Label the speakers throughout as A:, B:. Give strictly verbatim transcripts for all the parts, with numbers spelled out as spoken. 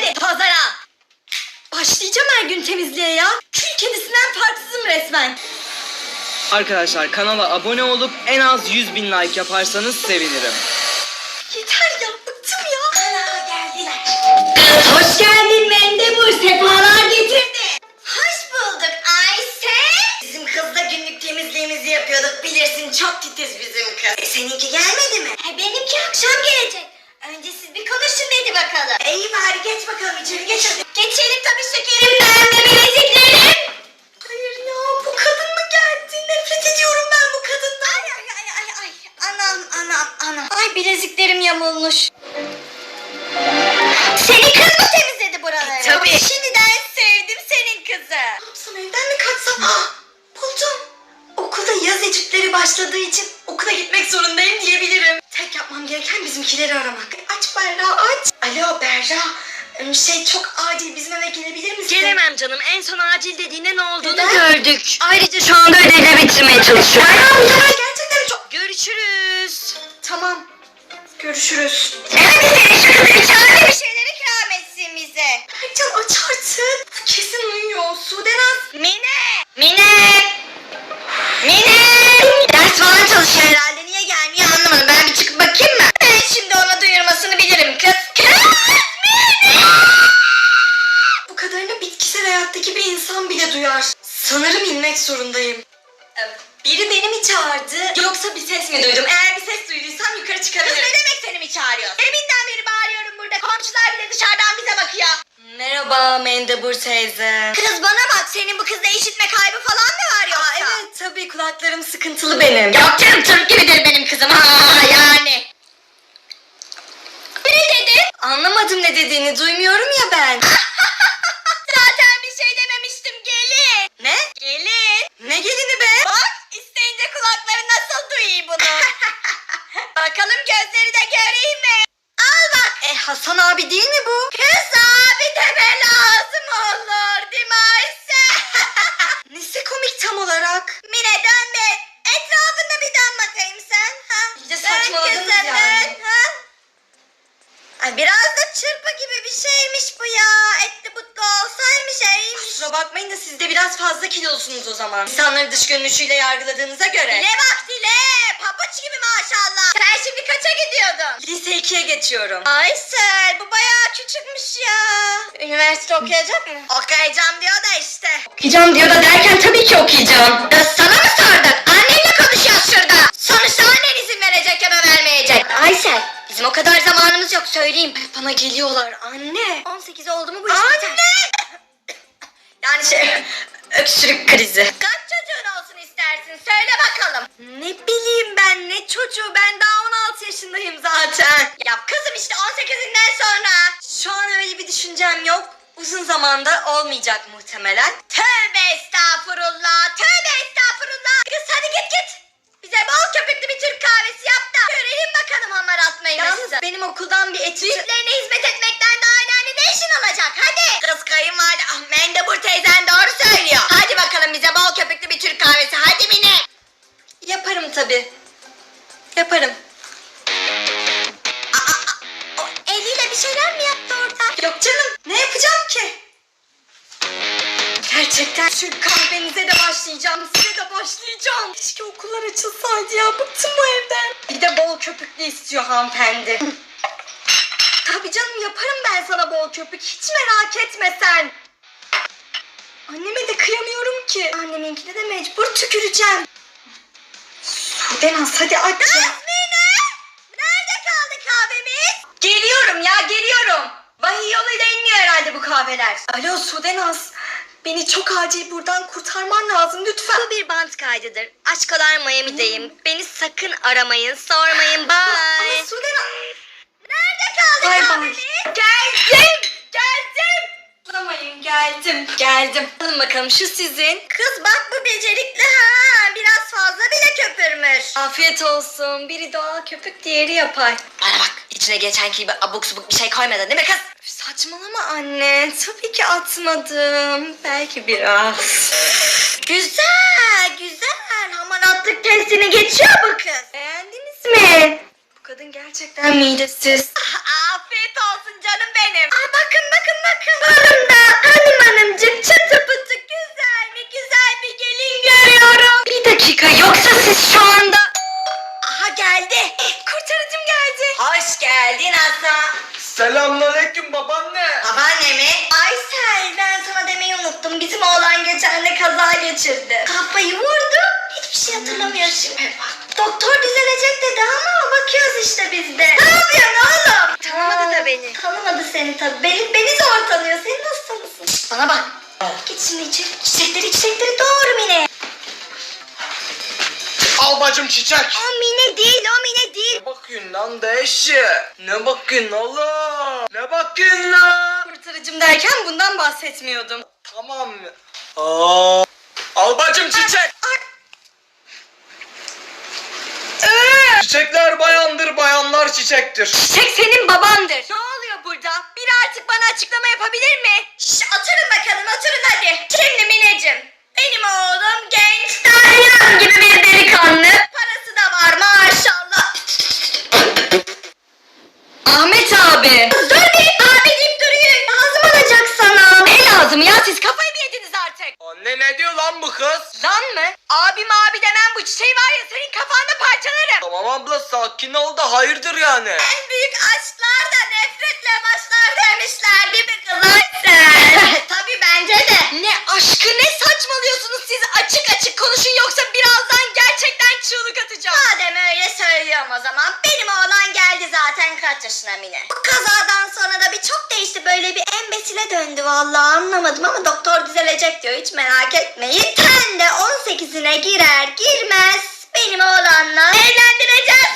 A: Hadi pazara. Başlayacağım her gün temizliğe ya. Kül kedisinden farksızım resmen.
B: Arkadaşlar kanala abone olup en az yüz bin like yaparsanız sevinirim.
A: Yeter ya, bıktım ya. Ana geldiler. Hoş geldin Mendebur, sefalar getirdi. Hoş bulduk Ayşe. Bizim kızla günlük temizliğimizi yapıyorduk, bilirsin çok titiz bizim kız. E, seninki gelmedi mi? E, benimki akşam gelecek. Önce siz bir konuşun hadi bakalım. İyi bari geç bakalım içeri, geç hadi. Geçelim tabii şekerim, ben de bileziklerim. Hayır ya, bu kadın mı geldi? Nefret ediyorum ben bu kadından. Ay ay ay ay ay. Anam anam anam. Ay bileziklerim yamulmuş. Senin kız mı temizledi buraları? E, tabii. Şimdiden sevdim senin kızı. Ne yapsam, evden mi kaçsam? Ah, buldum. Okulda yaz etütleri başladığı için okula gitmek zorundayım diyebilirim. Tek yapmam gereken bizimkileri aramak. Aç Berra aç. Alo Berra. Şey çok acil, bizim eve gelebilir misin?
C: Gelemem canım. En son acil dediğinde ne olduğunu
A: Neden?
C: gördük. Ayrıca şu anda ödevleri bitirmeye çalışıyorum.
A: Berra ya gerçekten çok...
C: Görüşürüz.
A: Tamam. Görüşürüz.
C: Evet seni şu kızı çağır bir şeyler ikram etsin bize.
A: Berkcan aç artık. Bu kesin uyuyor. Sudenaz.
C: Mine! Mine! Mine! Ders falan çalışıyor herhalde. Niye gelmiyor anlamadım. Ben bir çıkıp bakayım mı? Ben şimdi ona duyurmasını bilirim kız. Kız! Mine!
A: Bu kadarını bitkisel hayattaki bir insan bile duyar. Sanırım inmek zorundayım. Ee, Biri beni mi çağırdı yoksa bir ses mi duydum? Eğer bir ses duyduysam yukarı
C: Kız
A: çıkabilirim.
C: ne demek seni mi çağırıyor? Deminden beri bağırıyorum burada. Komşular bile dışarıdan bize bakıyor.
A: Merhaba Mendebur teyze.
C: Kız bana bak, senin bu kızda işitme kaybı falan mı var yoksa?
A: Aa, evet tabii kulaklarım sıkıntılı benim.
C: Yok canım, Türk gibidir benim kızım ha yani. Ne dedin?
A: Anlamadım ne dediğini, duymuyorum ya ben.
C: Zaten bir şey dememiştim, gelin.
A: Ne?
C: Gelin.
A: Ne gelini be?
C: Bak, isteyince kulakları nasıl duyuyor bunu. Bakalım gözleri de göreyim mi? Al bak.
A: E Hasan abi değil mi bu?
C: Kız abi deme lazım olur değil mi Ayşe?
A: Nesi komik tam olarak?
C: Mine dön be. Etrafında bir dön bakayım sen. Ha?
A: İyice
C: Dön
A: saçmaladınız
C: kızım,
A: yani.
C: dön, ha? Ay biraz da çırpı gibi bir şeymiş bu ya. Etli butlu olsaymış iyiymiş.
A: Kusura bakmayın da siz de biraz fazla kilolusunuz o zaman. İnsanları dış görünüşüyle yargıladığınıza göre.
C: Dile bak dile. Pabuç gibi maşallah. Sen şimdi kaça gidiyordun?
A: Lise ikiye geçiyorum.
C: Aysel bu bayağı küçükmüş ya. Üniversite okuyacak mı? Okuyacağım diyor da işte.
A: Okuyacağım diyor da derken tabii ki okuyacağım.
C: Kız sana mı sorduk? Annenle konuşuyoruz şurada. Sonuçta annen izin verecek ya da vermeyecek. Aysel bizim o kadar zamanımız yok söyleyeyim.
A: Bana geliyorlar anne.
C: on sekiz oldu mu bu iş
A: Anne!
C: biter.
A: Yani şey öksürük krizi.
C: Kaç çocuğun olsun istersin söyle bakalım.
A: Ne bileyim ben ne çocuğu, ben daha on altı yaşındayım zaten.
C: Ya kızım işte on sekizinden sonra.
A: Şu an öyle bir düşüncem yok. Uzun zamanda olmayacak muhtemelen.
C: Tövbe estağfurullah. Tövbe estağfurullah. Kız hadi git git. Bize bol köpüklü bir Türk kahvesi yap da görelim bakalım hamar atmayı
A: Yalnız
C: nasıl.
A: benim okuldan bir etüt...
C: Büyüklerine hizmet etmekten daha önemli ne işin olacak hadi. Kız kayınvalide ah, Mendebur teyzen doğru söylüyor. Hadi bakalım bize bol köpüklü bir Türk kahvesi hadi Mine.
A: Yaparım tabii. Yaparım.
C: Aa, aa, o eliyle bir şeyler mi yaptı orada?
A: Yok canım, ne yapacağım ki? Gerçekten Türk kahvenize de başlayacağım, size de başlayacağım. Keşke okullar açılsaydı ya, bıktım bu evden. Bir de bol köpüklü istiyor hanımefendi. Tabii canım, yaparım ben sana bol köpük, hiç merak etme sen. Anneme de kıyamıyorum ki. Anneminkine de mecbur tüküreceğim. Sudenaz hadi aç
C: Kız
A: ya.
C: Mine! Nerede kaldı kahvemiz?
A: Geliyorum ya, geliyorum. Vahiy yoluyla inmiyor herhalde bu kahveler. Alo Sudenaz. Beni çok acil buradan kurtarman lazım lütfen.
C: Bu bir bant kaydıdır. Aşkolar Miami'deyim. Beni sakın aramayın, sormayın. Bye.
A: Ama Sudenaz.
C: Nerede kaldı
A: Bay bay.
C: kahvemiz?
A: Geldim. Geldim. Bulamayın geldim. Geldim. Alın bakalım şu sizin.
C: Kız bak bu becerikli ha. Biraz fazla bile köpürmüş.
A: Afiyet olsun. Biri doğal köpük, diğeri yapay.
C: Bana bak içine geçenki gibi abuk subuk bir şey koymadın değil mi kız?
A: Saçmalama anne. Tabii ki atmadım. Belki biraz.
C: Güzel güzel. Hamaratlık testini geçiyor bu kız.
A: Beğendiniz mi? Bu kadın gerçekten midesiz.
C: Afiyet olsun canım benim. Aa, bakın bakın bakın hanımda. Hanım hanımcık çatı pıtı güzel mi güzel bir gelin görüyorum. Bir dakika yoksa siz şu anda... Aha geldi. Kurtarıcım geldi. Hoş geldin Hasan.
B: Selamünaleyküm babaanne.
C: Babaanne mi? Aysel ben sana demeyi unuttum. Bizim oğlan geçen de kaza geçirdi. Kafayı vurdu. Hiçbir şey hatırlamıyor şimdi. Doktor düzelecek dedi ama bakıyoruz işte biz de. Ne yapıyorsun oğlum? Tanımadı da beni. Tanımadı seni tabii. Beni, beni zor tanıyor. Seni nasıl tanısın? Şişt, bana bak. Git şimdi içeri. Çiçekleri çiçekleri doğru Mine.
B: Al bacım çiçek.
C: O Mine değil o Mine değil.
B: Ne bakıyorsun lan deşi? Ne bakıyorsun oğlum? Ne bakıyorsun lan?
C: Kurtarıcım derken bundan bahsetmiyordum.
B: Tamam mı? Aa. Al bacım çiçek.
C: Ee,
B: Çiçekler bayandır, bayanlar çiçektir.
C: Çiçek senin babandır. Ne oluyor burada? Biri artık bana açıklama yapabilir mi? Şş, oturun bakalım oturun hadi. Şimdi Mineciğim. Benim oğlum genç, dalyan gibi bir delikanlı. Parası da var maşallah. Ahmet abi. Dur bir abi deyip duruyor. Lazım olacak sana. Ne lazım ya siz kafayı mı yediniz artık?
B: Anne ne diyor lan bu kız?
C: Lan mı? Abim abi demem bu çiçeği var ya senin kafanda parçalarım.
B: Tamam abla sakin ol da hayırdır yani.
C: En büyük aşklar da nefretle başlar demişler değil mi kız Aysel? Tabii bence de. Ne aşkı ne saçmalıyorsunuz siz açık açık konuşun yoksa birazdan gerçekten çığlık atacağım. Madem öyle söylüyorum o zaman benim oğlan geldi zaten kaç yaşına Mine. Bu kazadan sonra da bir çok değişti böyle bir embesile döndü vallahi anlamadım ama doktor düzelecek diyor hiç merak etmeyin. Sen de on sekizine girer girmez benim oğlanla evlendireceğiz.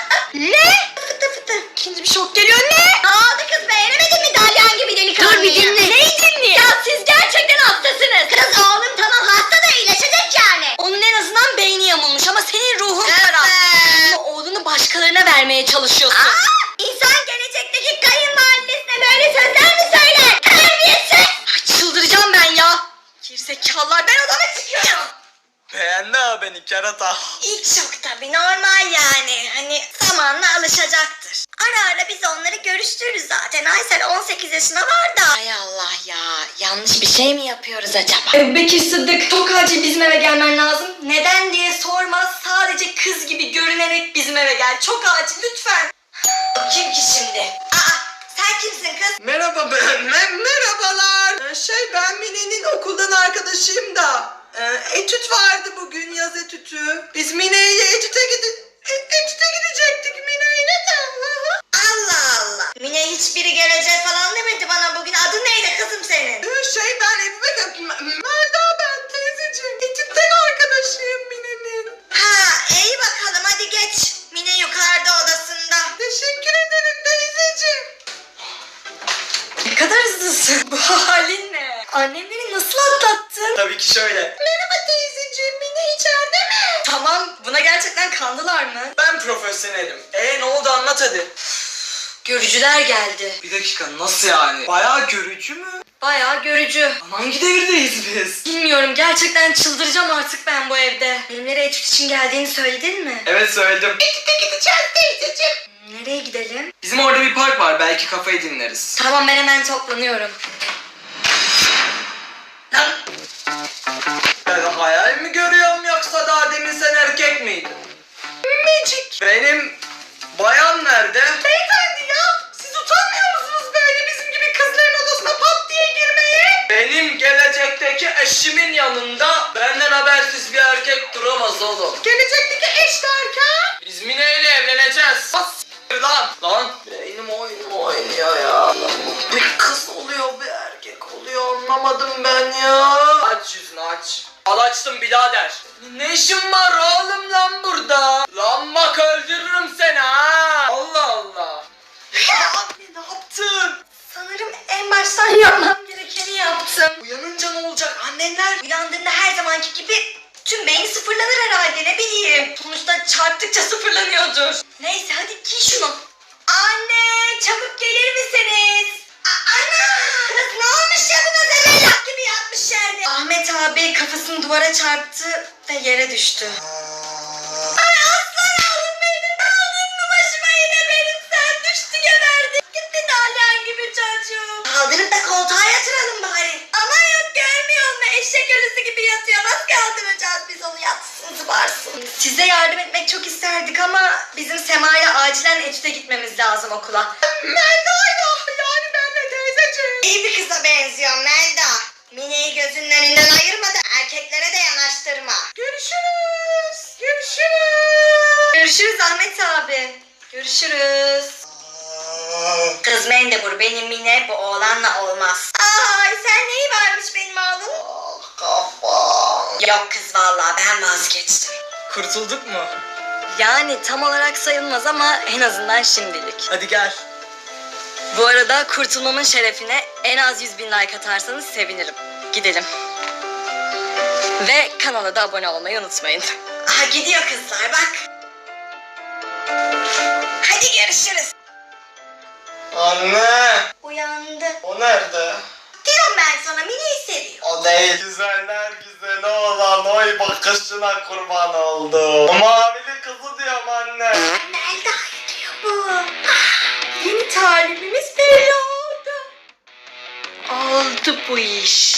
C: Ne? Fıtı fıtı. İkinci bir şok geliyor ne? Ne oldu kız beğenemedin mi dalyan gibi delikanlıyı? Dur bir dinle. Neyi dinle? Ya siz gerçekten hastasınız. Kız oğlum tamam hasta da iyileşecek yani. Onun en azından beyni yamulmuş ama senin ruhun kara. Ama oğlunu başkalarına vermeye çalışıyorsun. Aa, insan gelecekteki kayınvalidesine böyle sözler mi söyler? Terbiyesiz. Ay, çıldıracağım ben ya. Gerizekalılar ben odama çıkıyorum.
B: Beğendi ha beni kerata.
C: İlk şok tabii normal yani. Hani zamanla alışacaktır. Ara ara biz onları görüştürürüz zaten. Aysel on sekiz yaşına var da. Hay Allah ya. Yanlış bir şey mi yapıyoruz acaba? Ebu Bekir Sıddık çok acil bizim eve gelmen lazım. Neden diye sorma. Sadece kız gibi görünerek bizim eve gel. Çok acil lütfen. Kim ki şimdi? Aa sen kimsin kız?
B: Merhaba ben. Me- merhabalar. Ee, Şey ben Mine'nin okuldan arkadaşıyım da. Ee, etüt vardı bugün yaz etütü. Biz Mine'yle etüte gidi e- etüte gidecektik Mine'yle de.
C: Allah Allah. Mine hiçbiri gelecek falan demedi bana bugün. Adı neydi kızım senin?
B: Ee, Şey ben Ebu Bekir Melda ben teyzeciğim. Etütten arkadaşıyım Mine'nin.
C: Ha iyi bakalım hadi geç. Mine yukarıda odasında.
B: Teşekkür ederim teyzeciğim.
C: Ne kadar hızlısın. Bu halin ne? Annemleri nasıl atlattın?
B: Tabii ki şöyle.
C: Merhaba teyzeciğim Mine içeride mi? Tamam buna gerçekten kandılar mı?
B: Ben profesyonelim. E ne oldu anlat hadi.
C: Görücüler geldi.
B: Bir dakika nasıl yani? Bayağı görücü mü?
C: Bayağı görücü.
B: Hangi devirdeyiz biz?
C: Bilmiyorum gerçekten çıldıracağım artık ben bu evde. Benimlere etüt için geldiğini söyledin mi?
B: Evet söyledim.
C: Etüte gideceğiz teyzeciğim. Nereye gidelim?
B: Bizim orada bir park var belki kafayı dinleriz.
C: Tamam ben hemen toplanıyorum. Lan
B: Ben hayal mi görüyorum yoksa daha demin sen erkek miydin? Magic. Benim bayan nerede?
C: beyefendi ya siz utanmıyor musunuz böyle bizim gibi kızların odasına pat diye girmeye?
B: Benim gelecekteki eşimin yanında benden habersiz bir erkek duramaz oğlum.
C: Gelecekteki eş derken?
B: Biz Mine ile evleneceğiz. Bas s**tir lan. Lan. Beynim oyun oynuyor ya. Bir kız oluyor bir erkek oluyor anlamadım ben ya. Aç yüzünü aç. Al açtım birader. Ne işin var oğlum lan burada? Lan bak öldürürüm seni ha. Allah Allah. Ya ne yaptın?
C: Sanırım en baştan yapmam gerekeni yaptım.
B: Uyanınca ne olacak annenler?
C: Uyandığında her zamanki gibi tüm beyni sıfırlanır herhalde ne bileyim. Sonuçta çarptıkça sıfırlanıyordur. Neyse hadi giy şunu. Anne çabuk gelir misiniz? A- Ana kız ne olmuş ya buna zebellak gibi yatmış yerde. Ahmet abi kafasını duvara çarptı ve yere düştü. Ay aslan oğlum benim aldın mı başıma yine benim sen düştü geberdi. Gitti dalyan gibi çocuğum.
A: Kaldırıp da koltuğa yatıralım bari. Ama yok görmüyor musun? Eşek ölüsü gibi yatıyor. Nasıl kaldıracağız biz onu yatsın zıbarsın. Size yardım etmek çok isterdik ama bizim Sema'yla acilen etüde gitmemiz lazım okula.
B: Melda'yla yani benle teyzeciğim.
A: İyi bir kıza benziyor Melda. Mine'yi gözünün önünden ayırma da erkeklere de yanaştırma.
B: Görüşürüz. Görüşürüz.
A: Görüşürüz Ahmet abi. Görüşürüz. Kız Mendebur benim Mine bu oğlanla olmaz. Ay sen neyi varmış benim oğlum?
B: Ah, kafam.
A: Yok kız vallahi ben vazgeçtim.
B: Kurtulduk mu?
A: Yani tam olarak sayılmaz ama en azından şimdilik.
B: Hadi gel.
A: Bu arada kurtulmamın şerefine en az yüz bin like atarsanız sevinirim. Gidelim. Ve kanala da abone olmayı unutmayın. Aha gidiyor kızlar bak. Hadi görüşürüz.
B: Anne.
A: Uyandı.
B: O nerede?
A: Diyorum ben sana Mine'yi seviyor.
B: O değil. Güzeller güzeli olan oy bakışına kurban oldum. O mavili kızı diyorum anne.
A: Melda diyor bu. Ah, yeni talibimiz belli oldu. Oldu bu iş.